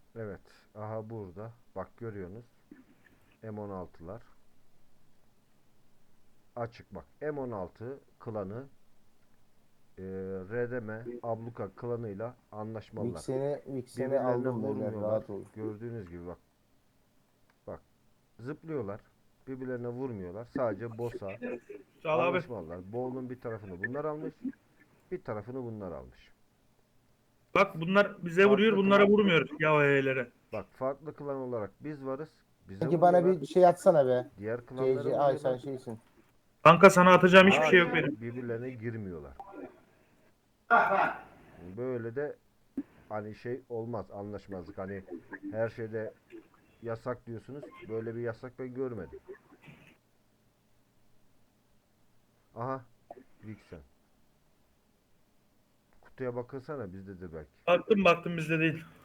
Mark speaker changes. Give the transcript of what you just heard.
Speaker 1: Evet. Aha burada. Bak görüyorsunuz. M16'lar. Açık bak. M16 klanı RDM Abluka klanıyla anlaşmalılar.
Speaker 2: Vixen'i
Speaker 1: Birbirlerine
Speaker 2: aldım beyler,
Speaker 1: vurmuyorlar.
Speaker 2: rahat olun.
Speaker 1: Gördüğünüz gibi bak. Bak. Zıplıyorlar. Birbirlerine vurmuyorlar. Sadece boss'a
Speaker 3: Sağ ol abi.
Speaker 1: anlaşmalılar. Bowl'un bir tarafını bunlar almış. Bir tarafını bunlar almış.
Speaker 3: Bak bunlar bize vuruyor,
Speaker 1: Farklı
Speaker 3: bunlara
Speaker 1: klan
Speaker 3: vurmuyoruz yavelere.
Speaker 1: bak farklı klan olarak biz varız. Bize
Speaker 2: Sanki bana
Speaker 1: vuruyorlar.
Speaker 2: bir şey atsana be.
Speaker 1: Diğer klanlara
Speaker 2: CC, ay sen
Speaker 1: vuruyorlar.
Speaker 2: şeysin.
Speaker 3: Kanka sana atacağım hiçbir şey yok benim.
Speaker 1: Lakin birbirlerine girmiyorlar. Böyle de hani şey olmaz, anlaşmazlık. Hani her şeyde yasak diyorsunuz. Böyle bir yasak ben görmedim. Aha, Vixen. Kutuya bakılsana bizde de belki.
Speaker 3: Baktım baktım bizde değil.